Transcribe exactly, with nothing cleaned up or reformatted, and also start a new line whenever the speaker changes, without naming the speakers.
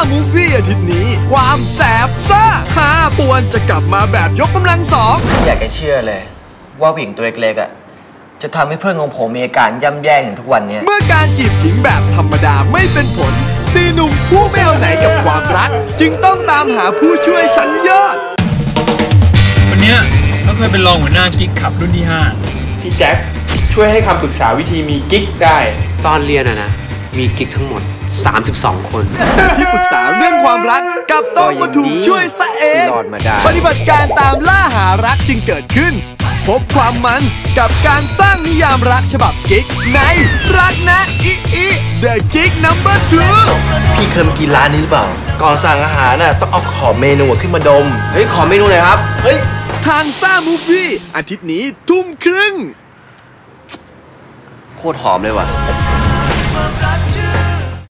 มูฟวี่อาทิตย์นี้ความแสบซ่าฮาป่วนจะกลับมาแบบยกกำลังสอง
อยากจะเชื่อเลยว่าผู้หญิงตัวเล็กๆอ่ะจะทำให้เพื่อนของผมมีอาการย่ำแย่ถึงทุกวันนี้
เมื่อการจีบหญิงแบบธรรมดาไม่เป็นผลสี่หนุ่มผู้ไม่เอาไหนกับความรักจึงต้องตามหาผู้ช่วยชั้นยอด
วันนี้เขาเคยเป็นรองหัวหน้ากิ๊กขับรุ่นที่ห้า
พี่แจ็คช่วยให้คำปรึกษาวิธีมีกิ๊กได้
ตอนเรียนอะนะมีกิ๊กทั้งหมดสามสิบสองคน
ที่ปรึกษาเรื่องความรักกับต้องมาถูกช่วยซะเองปฏิบัติการตามล่าหารักจึงเกิดขึ้นพบความมันกับการสร้างนิยามรักฉบับกิ๊กในรักนะอิอิ The Gig Number ทู
พี่เคยมากินร้านนี้หรือเปล่าก่อนสั่งอาหารน่ะต้องเอาขอเมนูขึ้นมาดมเฮ้ยขอเมนูหน่อยครับเฮ้ย
ทางซ่ามูฟวี่อาทิตย์นี้ทุ่มครึ่ง
โคตรหอมเลยว่ะ